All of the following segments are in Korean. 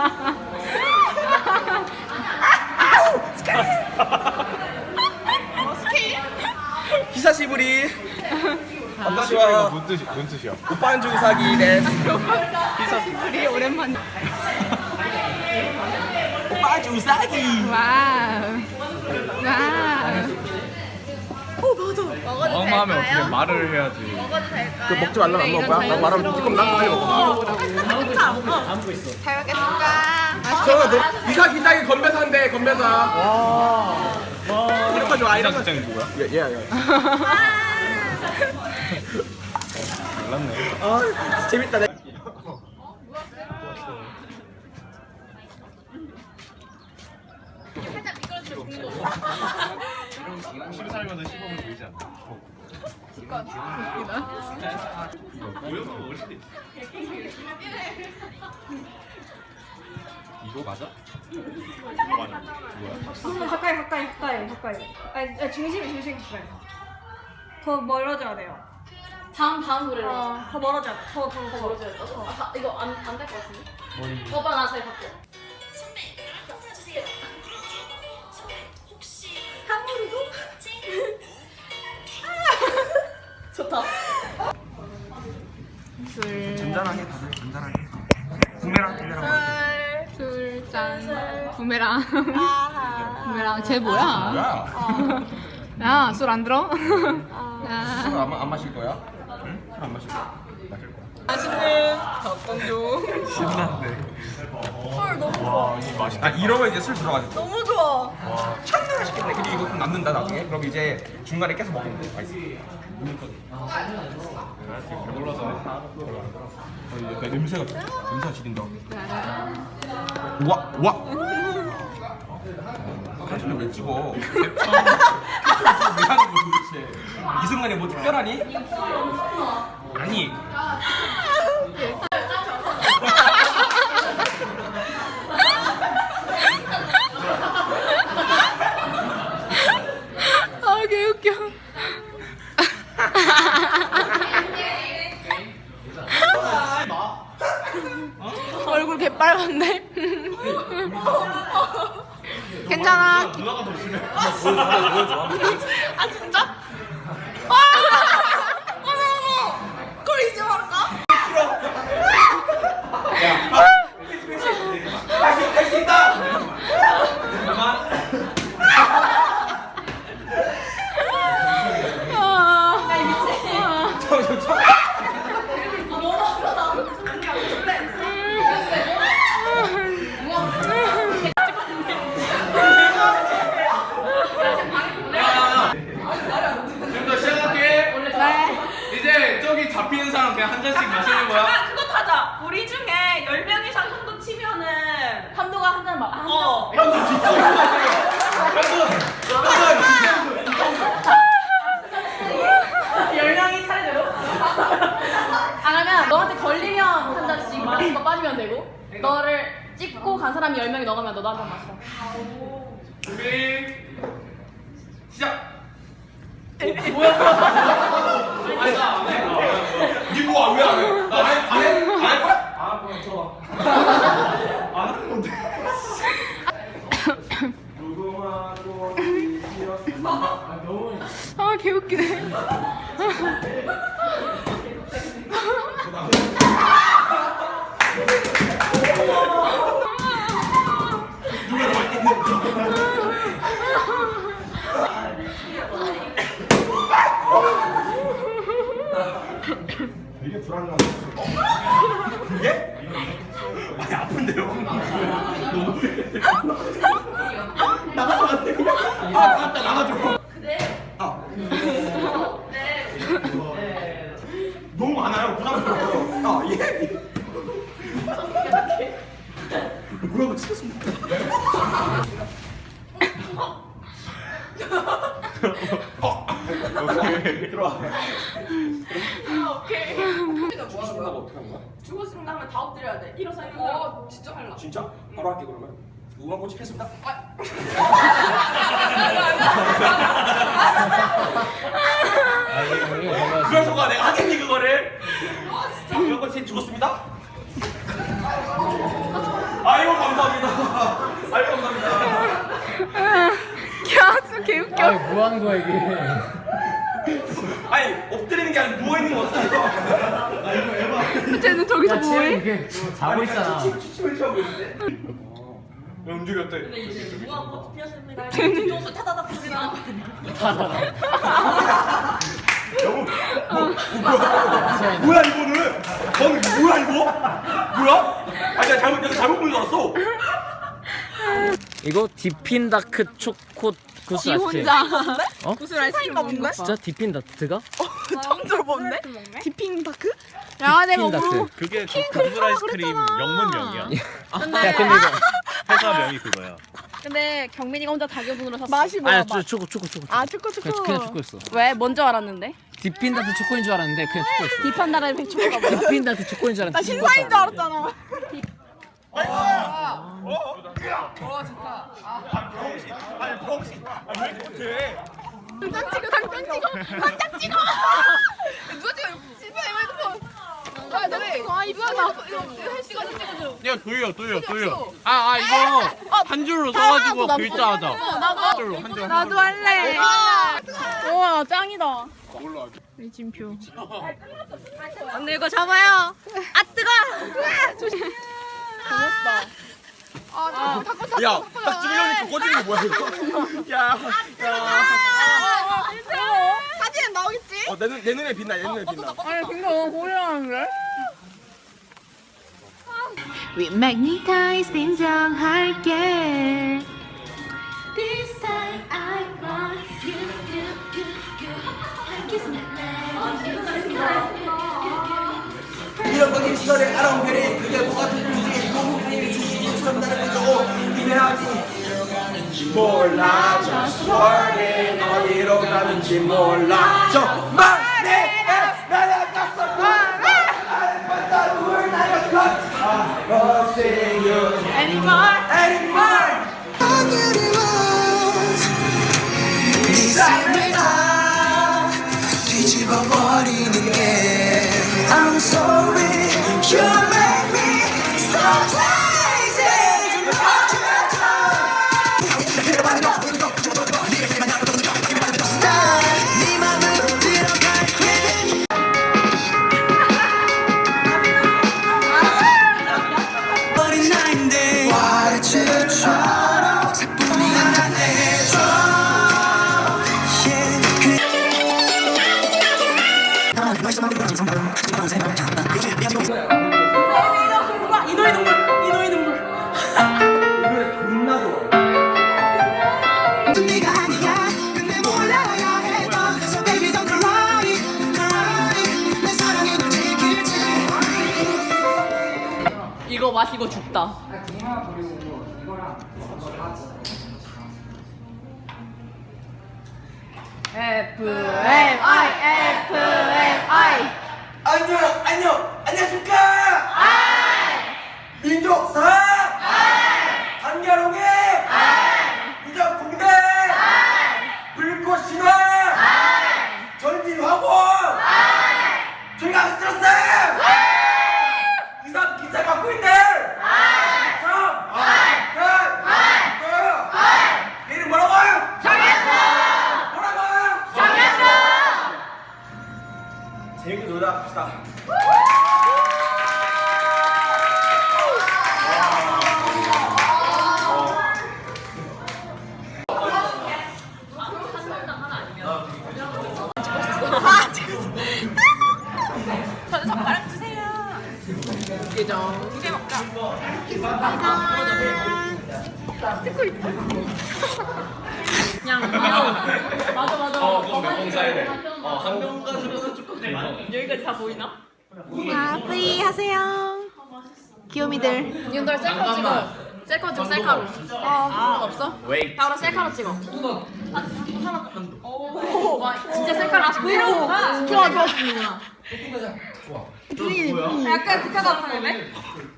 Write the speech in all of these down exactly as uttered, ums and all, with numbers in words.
히사시부리. 히사시부리가 뭔 뜻이 뭔 뜻이야? 오빠는 주사기 데스. 우리 오랜만에. 오빠 주사기. 와우. 와우. 엄마 하면 어떻게 말을 해야지. 그 먹지 말라면 안 먹을 거야? 나 말하면 조금 나 빨리 먹어. 잘 먹겠습니다. 저거 너 이사 기장이 건배사인데 건배사. 와. 이런 거 좋아. 이런 거. 기장이 누구야? 예, 예, 예. 몰랐네. 아, 재밌다. 내. 십 살면서 씹으면 보이지 않나? 이거 맞아? 이거 맞아. 뭐야? 가까이 가까이 가까이 가까이. 아니, 아니 중심이 중심 가까이. 더 멀어져야 돼요. 다음 다음 노래로. 어, 더 멀어져야 돼. 더더 더, 더 멀어져야 돼. 아, 다- 이거 안 안 될 것 같은데? 오빠 나 저희 갈게요. 좋다. 술, 잔잔하게 다들 잔잔하게. 구매랑 구매랑. 술, 짠. 부메랑. 부메랑. 쟤 뭐야? 뭐야? 야, 술 안 들어? 술 야. 안, 안 마실 거야? 응? 술 안 마실 거야? 마실 거야. 맛있는 덕건조. 신난데. 헐 너무 와 이거 맛있다. 아 이러면 이제 술 들어가지. 너무 좋아. 참나 맛있겠네. 근데 이거 좀 남는다 나중에. 그럼 이제 중간에 깨서 먹으면 돼. 맛있어. 배불러서. 어, 내 냄새가 냄새가 지린다. 우와 우와. 사진을 왜 찍어? 왜 하는 거야 도대체? 이 순간에 뭐 특별하니? 아니. 아, 개웃겨. 얼굴 개빨간데? 괜찮아. 누나가 더 심해. 아, 진짜? 아! 어머, 어머! 그걸 이제 말할까? 할수 있다. 아, 나 미친. 저, 저, 저. 지금부터 시작할게. 이제 저기 잡히는 사람 그냥 한 잔씩 마시는 거야. 아, 그거 타자. 우리 중에 열 명 이상 정도 치면은 한도가 한 잔 막. 한 잔. 어. 형도 진짜. 열 명이 차례대로. 아 그러면 너한테 걸리면 한 잔씩 마시는 거 빠지면 되고 너를 찍고 간 사람이 열 명이 넣으면 너도 한 잔 마시라. 준비 시작. 아니 나안 해. 니뭐 왜 안 해? 나안 해? 안 해? 안 할 거야? 아 그럼 들어봐. 안 하는 건데. 무궁화꽃 피었습니다. 아 너무. 아, 개웃기네. 되게 불안한 거. 이게? 아니 아픈데요? 너무 나가서 안 돼. 그냥. 아 나갔다 나가줘. 아. 너무 많아요. 부담스러워요. 아 예. 뭐라고 치겠습니까? 어. 오케이 들어와. 오케이. 죽는다고 어떻게 하는 거야? 죽었으면 하면 다 엎드려야 돼. 일어서 일어서. 어, 진짜 할라. 진짜? 바로 할게 그러면. 무궁화 꽃이 폈습니다. 그래서가 내가 하겠니 그거를? 무궁화 꽃이 죽었습니다. 아 이거 개웃겨. 아니 뭐 하는 거야 이게? 아니 엎드리는 게 아니라 누워 있는 거 어떡해? 아 이거 에바. 쟤는 저기서 야 뭐해? 쟤 이게 자고 있잖아. 취침을 취하고 있는데? 왜 움직였대? 무한 꽃 피었습니다. 쟤는 뒤통수 타다닥 소리 나는 거 아니야? 뭐야 이거는? 너는 이거 뭐야 이거? 뭐야? 아니 나 잘못 내가 잘못 본줄 알았어. 이거 디핀 다크 초코 구스 지 아이스크림. 혼자 어? 구슬 아이스크림 먹는 거? 진짜 디핀 다크가? 처음 들어보는데? 디핑 다크? 야 내가 디핀 다크. 뭐 그게 그 구슬 아이스크림 영문명이야. 야 근데 이거 회사명이 그거야. 근데 경민이가 혼자 자기분으로 샀어. 맛이 뭐야? 아니 맛. 초코 초코 초코. 아 초코 초코. 그냥, 그냥 초코였어. 왜? 뭔 줄 알았는데? 디핀 다크 초코인 줄 알았는데 그냥 초코였어. 딥한 나라의 백초가 뭐야? 디핀 다크 초코인 줄 나 알았는데. 신사인 줄 알았잖아. 아니 병신. 아왜 이렇게? 당장 찍어 당장 찍어 당장 찍어. 누가 찍어? 신사인 핸드폰. 아 너네 아 이쁘다. 이거 헬스가 찍어줘. 야 돌려 돌려 돌려. 아 아 이거 한 줄로 써가지고 글자 하자. 한 줄로 한 줄. 나도 할래. 우와 짱이다. 진표. 언니 이거 잡아요. 아 뜨거. 조심. 고맙다. 아 잠깐 잠깐 잠깐. 야, 딱 주민이 형이 저 꺼지는 게 뭐야 이거? 야, 사진은 나오겠지? 어, 내, 눈, 내 눈에 빛나, 내 눈에 빛나. 아니 근데 너무 고려하는데? We magnetize 인정할게. This time I want you, you, you, you. Kiss me, 이런 거기 시절에 알아온 별이 그게 뭐가 되는지 모든 주식이 처음 나는 거고 기대하지 몰라 저 수월이 어디로 가는지 몰라 정말 내가 날아갔어 나를 누굴 날아갔어 I won't see you anymore anymore 네 삶을 다 뒤집어버리는 게 I'm sorry, you make me so crazy. 네 맘으로 들어갈 craving. 어린 나인데 와르츠처럼 사뿐히 안 해줘. 이노의 눈물, 이노의 눈물. 네가 아니야. 근데 몰라야 했던. So baby don't cry, cry. 내 사랑이 널 지킬지. 이거 마시고 죽다. F M I F M I 안녕 안녕 안녕하십니까 민족사 단결홍해 무적붕대 불꽃신화 전진화고 저희가 스트레스 이상 기차 갖고 있네 이름 뭐라고요? 뭐라고요? 재밌게 놀다 갑시다. 저는 젓가락 주세요. 예정. 두개 먹자. 그냥 귀여워. 맞아 맞아. 어 그거 몇 번 사야 돼. 어한 병 가지고는 조금 여기까지 다 보이나? 아 뿌이 하세요. 귀요미들. 이분들 셀카로 찍어. 셀카 찍어 셀카로. 아 없어? 웨이. 바로 셀카로 찍어. 오, 와 진짜 셀카로 찍고. 브이로그구나. 좋아 좋아. 약간 극화 같은데?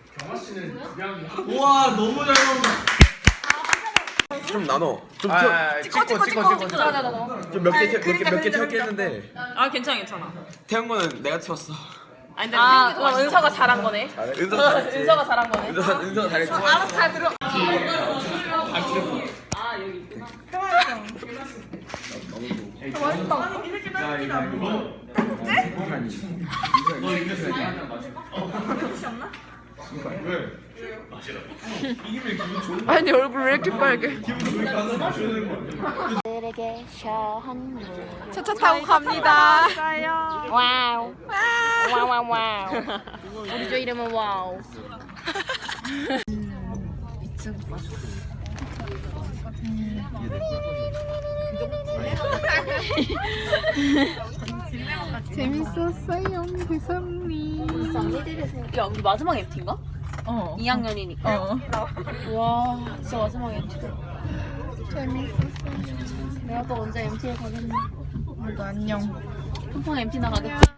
우와 너무 잘 나온다. 좀 나눠. 좀 아, 찍고 찍고 찍고 찍고. 좀몇개몇개몇개 태웠게 했는데 아 괜찮아 괜찮아. 태운 거는 내가 태웠어. 아니 근데 아 그럼 은서가 잘한 거네. 은서 잘했지. 은서가 잘한 거네. 은서 은서 잘했지. 알아서 잘 들어. 아 여기 있구나. 아니 얼굴 왜 이렇게 빨개? 차차 타고 갑니다. 와우. 와우 와우 와우. 우리 조 이름은 와우. 재밌었어요, 대성님. 야 우리 마지막 엠티인가? 어. 이 학년이니까. 어. 와 진짜 마지막 엠티. 재밌었어요. 내가 또 언제 엠티에 가겠니? 모두 안녕. 팡팡 엠티 나가겠지?